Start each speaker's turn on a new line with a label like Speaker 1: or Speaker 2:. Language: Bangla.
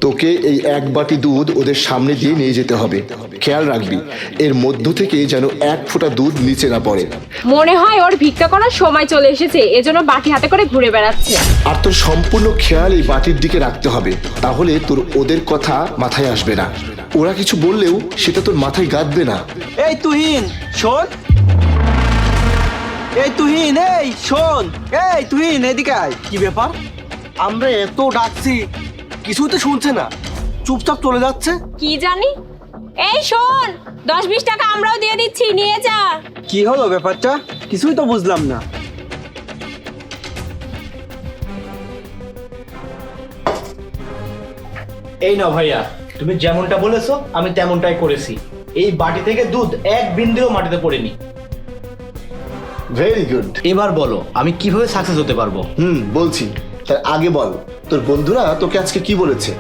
Speaker 1: তোকে এই এক বাটি দুধ ওদের সামনে দিয়ে নিয়ে যেতে হবে। খেয়াল রাখবি এর মধ্য থেকে যেন এক ফোঁটা দুধ নিচে না পড়ে।
Speaker 2: মনে হয় ওর ভিক্ষা করার সময় চলে এসেছে, এজন্য বাটি হাতে করে ঘুরে বেড়াচ্ছে।
Speaker 1: আর তোর সম্পূর্ণ খেয়াল এই বাটির দিকে রাখতে হবে, তাহলে তোর ওদের কথা মাথায় আসবে না। ওরা কিছু বললেও সেটা তোর মাথায় গাঁথবে না।
Speaker 3: এই তুহিন শোন, এই তুহিন, এই শোন, এই তুহিন এদিকে আয়। কি ব্যাপার? আমরা এত ডাকছি কিছুই তো শুনছে না, চুপচাপ চলে যাচ্ছে।
Speaker 2: কি জানি। এই শোন, 10-20 টাকা আমরাও দিয়ে দিচ্ছি, নিয়ে যা।
Speaker 3: কি হলো ব্যাপারটা? কিছুই তো বুঝলাম না।
Speaker 4: এই নাও ভাইয়া, তুমি যেমনটা বলেছো আমি তেমনটাই করেছি। এই বাটি থেকে দুধ এক বিন্দুও মাটিতে পড়েনি।
Speaker 1: Very good.
Speaker 4: এবার বলো আমি কিভাবে সাকসেস হতে পারবো?
Speaker 1: বলছি, তার আগে বল তোর বন্ধুরা তোকে আজকে কি বলেছে?